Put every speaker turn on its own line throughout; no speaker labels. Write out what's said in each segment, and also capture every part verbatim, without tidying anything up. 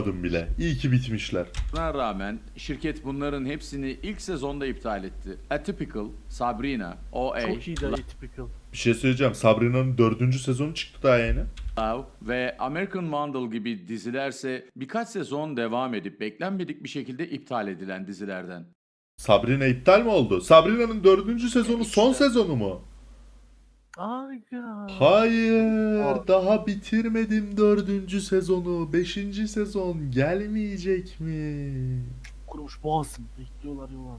bile. İyi ki bitmişler.
Buna rağmen şirket bunların hepsini ilk sezonda iptal etti. Atypical, Sabrina, O A,
Çok iyiydi Atypical.
Bir şey söyleyeceğim. Sabrina'nın dördüncü sezonu çıktı daha yeni.
Love ve American Vandal gibi dizilerse birkaç sezon devam edip beklenmedik bir şekilde iptal edilen dizilerden.
Sabrina iptal mi oldu? Sabrina'nın dördüncü sezonu son sezonu mu?
Aga.
Hayır. Daha bitirmedim dördüncü sezonu. Beşinci sezon gelmeyecek mi?
Kurumuş boğazım. Bekliyorlar yol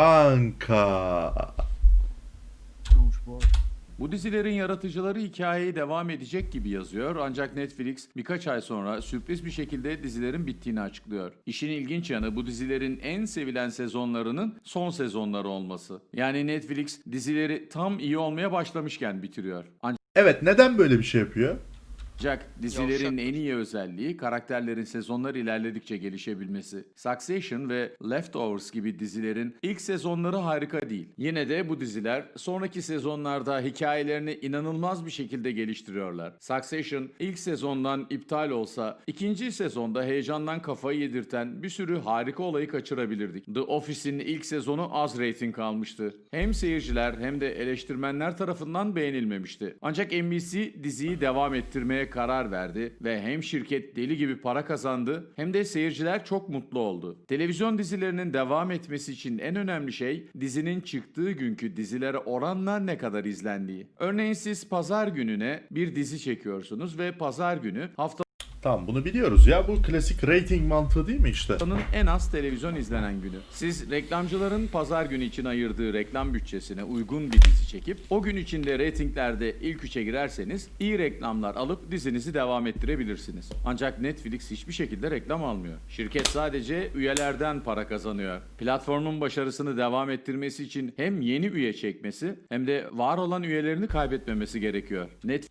Kanka.
Kurumuş boğazım.
Bu dizilerin yaratıcıları hikayeyi devam edecek gibi yazıyor ancak Netflix birkaç ay sonra sürpriz bir şekilde dizilerin bittiğini açıklıyor. İşin ilginç yanı bu dizilerin en sevilen sezonlarının son sezonları olması. Yani Netflix dizileri tam iyi olmaya başlamışken bitiriyor.
Evet, neden böyle bir şey yapıyor?
Ancak dizilerin en iyi özelliği karakterlerin sezonlar ilerledikçe gelişebilmesi. Succession ve Leftovers gibi dizilerin ilk sezonları harika değil. Yine de bu diziler sonraki sezonlarda hikayelerini inanılmaz bir şekilde geliştiriyorlar. Succession ilk sezondan iptal olsa ikinci sezonda heyecandan kafayı yedirten bir sürü harika olayı kaçırabilirdik. The Office'in ilk sezonu az reyting almıştı. Hem seyirciler hem de eleştirmenler tarafından beğenilmemişti. Ancak N B C diziyi devam ettirmeye karar verdi ve hem şirket deli gibi para kazandı hem de seyirciler çok mutlu oldu. Televizyon dizilerinin devam etmesi için en önemli şey dizinin çıktığı günkü dizilere oranla ne kadar izlendiği. Örneğin siz pazar gününe bir dizi çekiyorsunuz ve pazar günü hafta
Tamam, bunu biliyoruz ya. Bu klasik rating mantığı değil mi işte?
Haftanın en az televizyon izlenen günü. Siz reklamcıların pazar günü için ayırdığı reklam bütçesine uygun bir dizi çekip o gün içinde reytinglerde ilk üçe girerseniz iyi reklamlar alıp dizinizi devam ettirebilirsiniz. Ancak Netflix hiçbir şekilde reklam almıyor. Şirket sadece üyelerden para kazanıyor. Platformun başarısını devam ettirmesi için hem yeni üye çekmesi hem de var olan üyelerini kaybetmemesi gerekiyor.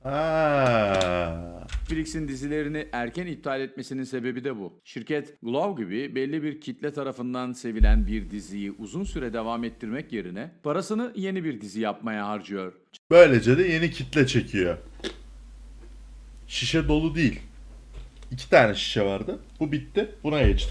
Ha.
Netflix'in dizilerini erken iptal etmesinin sebebi de bu. Şirket Glow gibi belli bir kitle tarafından sevilen bir diziyi uzun süre devam ettirmek yerine parasını yeni bir dizi yapmaya harcıyor.
Böylece de yeni kitle çekiyor. Şişe dolu değil. İki tane şişe vardı. Bu bitti. Buna geçtim.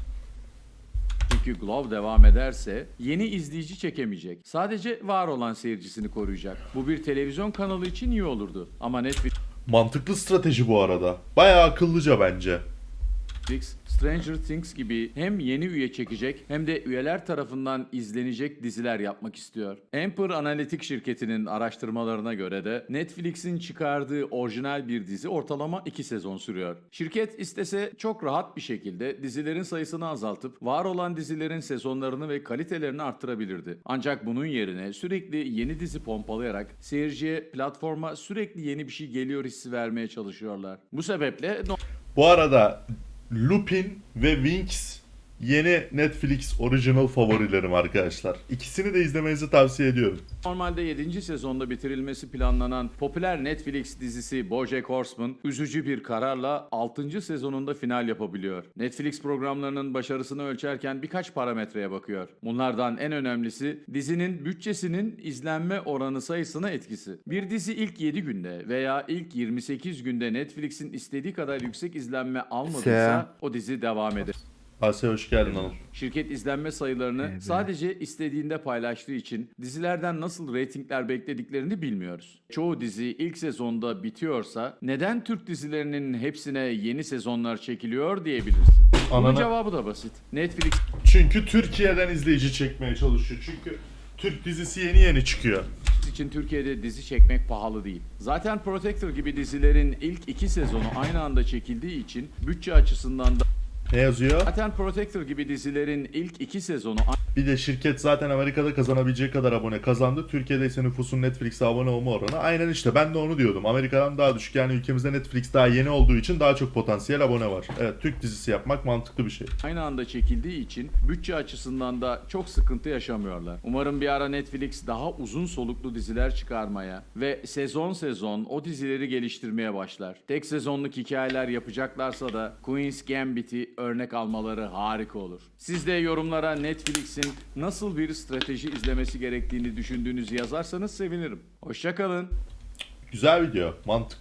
Çünkü Glow devam ederse yeni izleyici çekemeyecek. Sadece var olan seyircisini koruyacak. Bu bir televizyon kanalı için iyi olurdu. Ama Netflix
Mantıklı strateji bu arada. Bayağı akıllıca bence.
Netflix, Stranger Things gibi hem yeni üye çekecek hem de üyeler tarafından izlenecek diziler yapmak istiyor. Amper Analitik şirketinin araştırmalarına göre de Netflix'in çıkardığı orijinal bir dizi ortalama iki sezon sürüyor. Şirket istese çok rahat bir şekilde dizilerin sayısını azaltıp var olan dizilerin sezonlarını ve kalitelerini arttırabilirdi. Ancak bunun yerine sürekli yeni dizi pompalayarak seyirciye, platforma sürekli yeni bir şey geliyor hissi vermeye çalışıyorlar. Bu sebeple
Bu arada Lupin ve Winx yeni Netflix original favorilerim arkadaşlar. İkisini de izlemenizi tavsiye ediyorum.
Normalde yedinci sezonda bitirilmesi planlanan popüler Netflix dizisi BoJack Horseman üzücü bir kararla altıncı sezonunda final yapabiliyor. Netflix programlarının başarısını ölçerken birkaç parametreye bakıyor. Bunlardan en önemlisi dizinin bütçesinin izlenme oranı sayısına etkisi. Bir dizi ilk yedi günde veya ilk yirmi sekiz günde Netflix'in istediği kadar yüksek izlenme almadıysa o dizi devam eder.
Asya hoş geldin hanım.
Şirket izlenme sayılarını sadece istediğinde paylaştığı için dizilerden nasıl reytingler beklediklerini bilmiyoruz. Çoğu dizi ilk sezonda bitiyorsa neden Türk dizilerinin hepsine yeni sezonlar çekiliyor diyebilirsin. Bunun
Anana-
cevabı da basit. Netflix
Çünkü Türkiye'den izleyici çekmeye çalışıyor. Çünkü Türk dizisi yeni yeni çıkıyor.
için Türkiye'de dizi çekmek pahalı değil. Zaten Protector gibi dizilerin ilk iki sezonu aynı anda çekildiği için bütçe açısından da
Ne yazıyor?
Zaten Protector gibi dizilerin ilk iki sezonu
Bir de şirket zaten Amerika'da kazanabileceği kadar abone kazandı. Türkiye'de ise nüfusun Netflix'e abone olma oranı. Aynen işte ben de onu diyordum. Amerika'dan daha düşük, yani ülkemizde Netflix daha yeni olduğu için daha çok potansiyel abone var. Evet, Türk dizisi yapmak mantıklı bir şey.
aynı anda çekildiği için bütçe açısından da çok sıkıntı yaşamıyorlar. Umarım bir ara Netflix daha uzun soluklu diziler çıkarmaya ve sezon sezon o dizileri geliştirmeye başlar. Tek sezonluk hikayeler yapacaklarsa da Queen's Gambit'i örnek almaları harika olur. Siz de yorumlara Netflix'in nasıl bir strateji izlemesi gerektiğini düşündüğünüzü yazarsanız sevinirim. Hoşça kalın.
Güzel video. Mantıklı.